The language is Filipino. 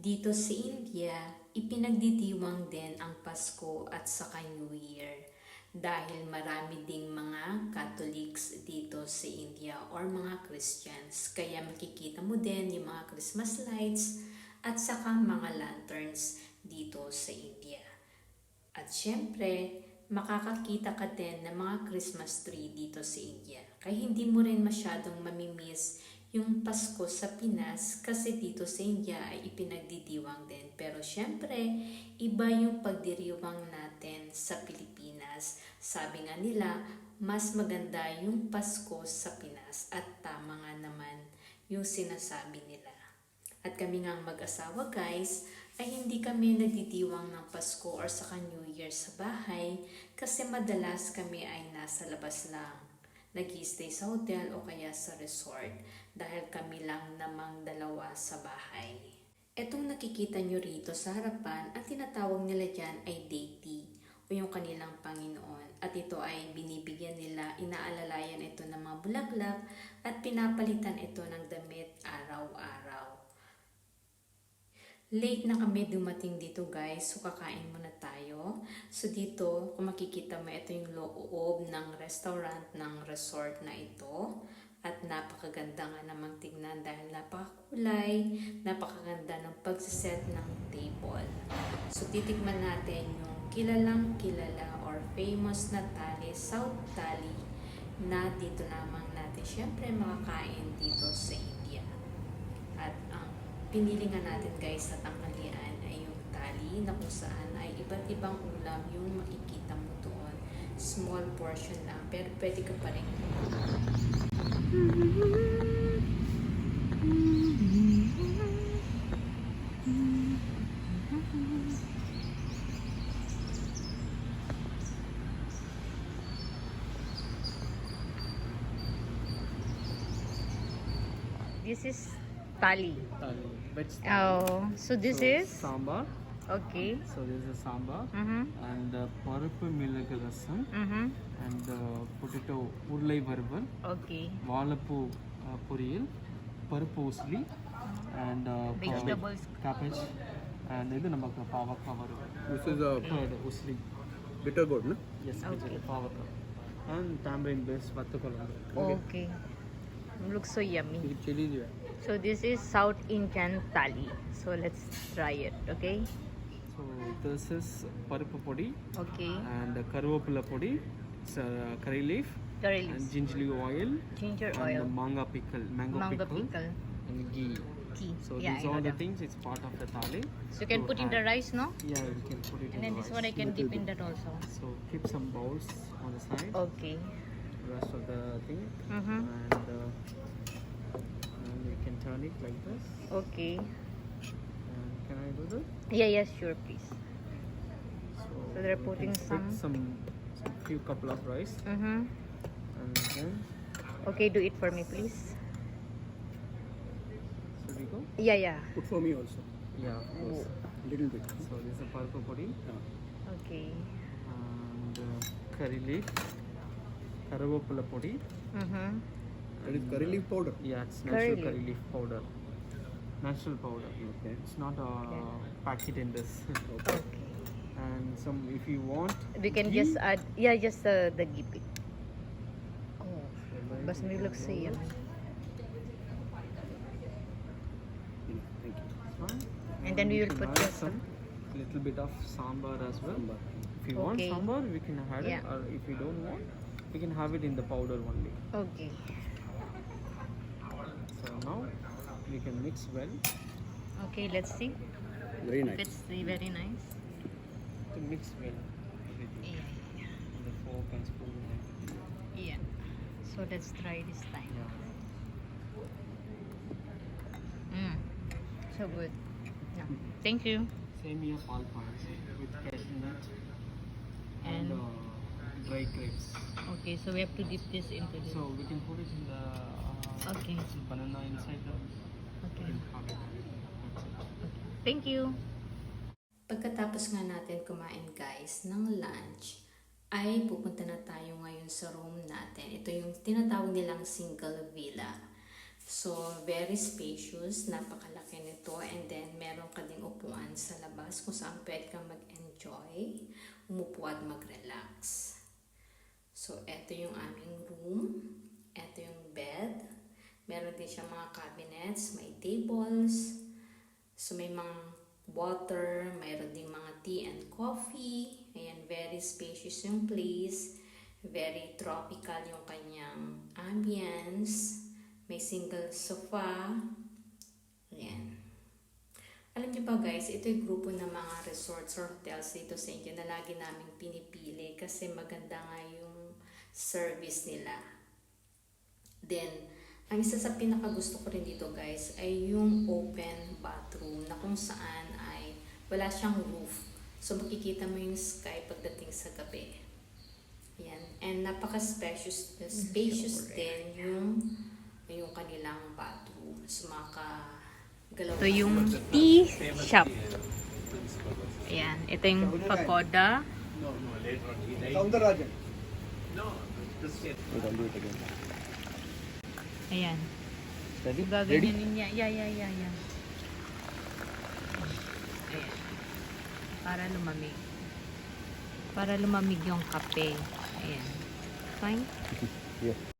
Dito sa India, ipinagdidiwang din ang Pasko at saka New Year dahil marami ding mga Catholics dito sa India or mga Christians. Kaya makikita mo din yung mga Christmas lights at saka mga lanterns dito sa India. At syempre, makakakita ka din ng mga Christmas tree dito sa India. Kaya hindi mo rin masyadong mamimiss yung Pasko sa Pinas kasi dito sa India ay ipinagdidiwang din. Pero syempre, iba yung pagdiriwang natin sa Pilipinas. Sabi nga nila, mas maganda yung Pasko sa Pinas at tama nga naman yung sinasabi nila. At kami nga mag-asawa guys, ay hindi kami nagdidiwang ng Pasko or saka New Year sa bahay kasi madalas kami ay nasa labas lang. Nag-i-stay sa hotel o kaya sa resort dahil kami lang namang dalawa sa bahay. Etong nakikita nyo rito sa harapan, ang tinatawag nila dyan ay deity o yung kanilang Panginoon. At ito ay binibigyan nila, inaalalayan ito ng mga bulaklak at pinapalitan ito ng damit araw-araw. Late na kami dumating dito guys, so kakain muna tayo. So dito, kung makikita mo, ito yung loob ng restaurant ng resort na ito. At napakaganda nga namang tignan dahil napakakulay, napakaganda ng pagsiset ng table. So titikman natin yung kilalang kilala or famous na tali, South Tali, na dito lamang natin syempre makakain dito sa India. At ang pinili nga natin guys sa tanghalian ay yung tali na kung saan ay iba't ibang ulam yung makikita mo doon. Small portion lang pero pwede ka pa rin. This is Tali. Veg Oh, so this is sambar. okay. So this is sambar and பருப்பு மிளகு ரசம் and potato உருளை வறுவல், Okay. வாழைப்பூ பொரியல், பருப்பு usili and Vegetables. cabbage and இது நமக்கு பாவக்காய் வறுவல். This is a Curd, usili. bitter gourd, no? Yes, Okay. பாவக்காய் and tamarind based வத்த குழம்பு. Okay. Looks so yummy. With chili जो है. So this is South Indian Thali. So let's try it. Okay. So this is பருப்பு பொடி Okay. and கருவேப்பிலை பொடி, curry leaf Curry and leaves, ginger oil ginger and oil, mango pickle, mango mango pickle, pickle, and ghee. tea. So Yeah, these I know all the that. things, it's part of the thali. So you can to put in the add. rice, no? Yeah, we can put it And in then the this rice. one I can dip in that also. So keep some bowls on the side, Okay. rest of the thing, Mm-hmm. and you can turn it like this. Okay. And can I do that? Yeah, yes, sure, please. So they're we putting can put some. some few couple of rice, Mm-hmm. and then Okay, do it for me, please. should we go? Yeah, yeah. Put for me also. Yeah, of course. Little bit. So this is a purple potty Okay. and curry leaf, karavapula potty. Mm-hmm. That is curry leaf powder. Yeah, it's Curry natural leaf. curry leaf powder. Natural powder. Okay. It's not a Okay. packet in this. Okay. Okay. And some, if you want, We can ghee, just add, yeah, just the ghee. Oh, but it looks so yummy. Thank you. it's fine. And then we you will can put add just some little bit of sambar as well. Sambar. If you want Okay. sambar, we can add Yeah. it, or if you don't want, we can have it in the powder only. Okay. So now we can mix well. Okay, let's see. Very If nice. it's very nice. To mix well everything. Yeah. The fork and spoon. Yeah. So let's try this time. Yeah. So good. Yeah. Thank you. Same here, pal pans with cashew nut and And dry grapes. okay, so we have to dip this into this. So we can put it in the Okay. banana inside the. Okay. We can have it. That's it. Thank you. Pagkatapos nga natin kumain guys ng lunch, ay pupunta na tayo ngayon sa room natin. Ito yung tinatawag nilang single villa. So, very spacious, napakalaki nito, and then meron ka din naman sa labas kung saan pwede kang mag-enjoy, umupo at mag-relax. So, eto yung aming room. Eto yung bed. Meron din siya mga cabinets, may tables. So, may mga water, mayroon din mga tea and coffee. Ayan, very spacious yung place. Very tropical yung kanyang ambience. May single sofa. Ayan. Alam niyo ba guys, ito yung grupo ng mga resorts or hotels dito sa India na lagi namin pinipili kasi maganda nga yung service nila. Then, ang isa sa pinakagusto ko rin dito guys ay yung open bathroom na kung saan ay wala siyang roof. So makikita mo yung sky pagdating sa gabi. Ayan. And napaka-spacious din yung kanilang bathroom. So makagalaw. Ito yung tea shop. Ayan. Ito yung pagoda. Soundarajan. Ayan. Ready? Gaganyanin niya. Yeah. Ayan. Para lumamig. Para lumamig yung kape. Ayan. Fine? Yeah.